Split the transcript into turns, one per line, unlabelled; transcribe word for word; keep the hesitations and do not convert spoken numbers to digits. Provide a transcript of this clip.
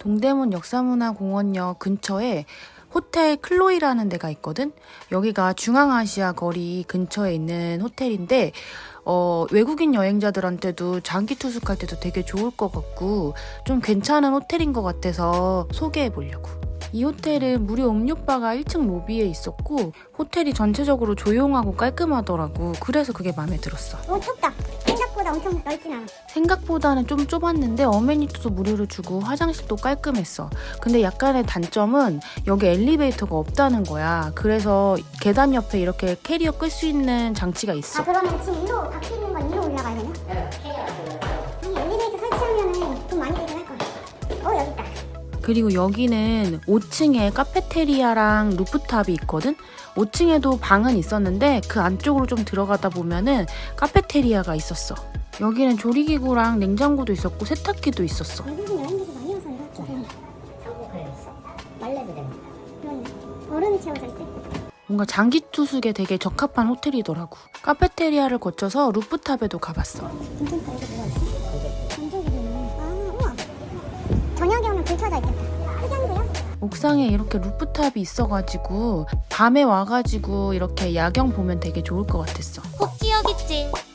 동대문 역사문화공원역 근처에 호텔 클로이라는 데가 있거든? 여기가 중앙아시아 거리 근처에 있는 호텔인데 어, 외국인 여행자들한테도 장기 투숙할 때도 되게 좋을 것 같고 좀 괜찮은 호텔인 것 같아서 소개해 보려고. 이 호텔은 무료 음료바가 일 층 로비에 있었고 호텔이 전체적으로 조용하고 깔끔하더라고. 그래서 그게 마음에 들었어.
오, 좁다. 생각보다 엄청 넓진 않아.
생각보다는 좀 좁았는데 어메니티도 무료로 주고 화장실도 깔끔했어. 근데 약간의 단점은 여기 엘리베이터가 없다는 거야. 그래서 계단 옆에 이렇게 캐리어 끌 수 있는 장치가 있어.
아, 그러면 지금 일로 밖에 있는 건 일로 올라가야 되나? 네, 아니, 엘리베이터 설치하면은 돈 많이 들긴 할 거야. 어, 여기 있다.
그리고 여기는 오 층에 카페테리아랑 루프탑이 있거든? 오 층에도 방은 있었는데 그 안쪽으로 좀 들어가다 보면은 카페테리아가 있었어. 여기는 조리기구랑 냉장고도 있었고 세탁기도 있었어.
외국인 여행객이 많이 와서 이렇게 되는
한국에 있어. 빨래도 됩니다.
그런 얼음이 채워져 있대.
뭔가 장기 투숙에 되게 적합한 호텔이더라고. 카페테리아를 거쳐서 루프탑에도 가봤어.
괜찮다. 이게 뭐가 있어? 전조기구네. 아, 우와. 저녁에 오면 불 켜져 있겠다. 흑연구요?
옥상에 이렇게 루프탑이 있어가지고 밤에 와가지고 이렇게 야경 보면 되게 좋을 것 같았어.
꼭 기억있지.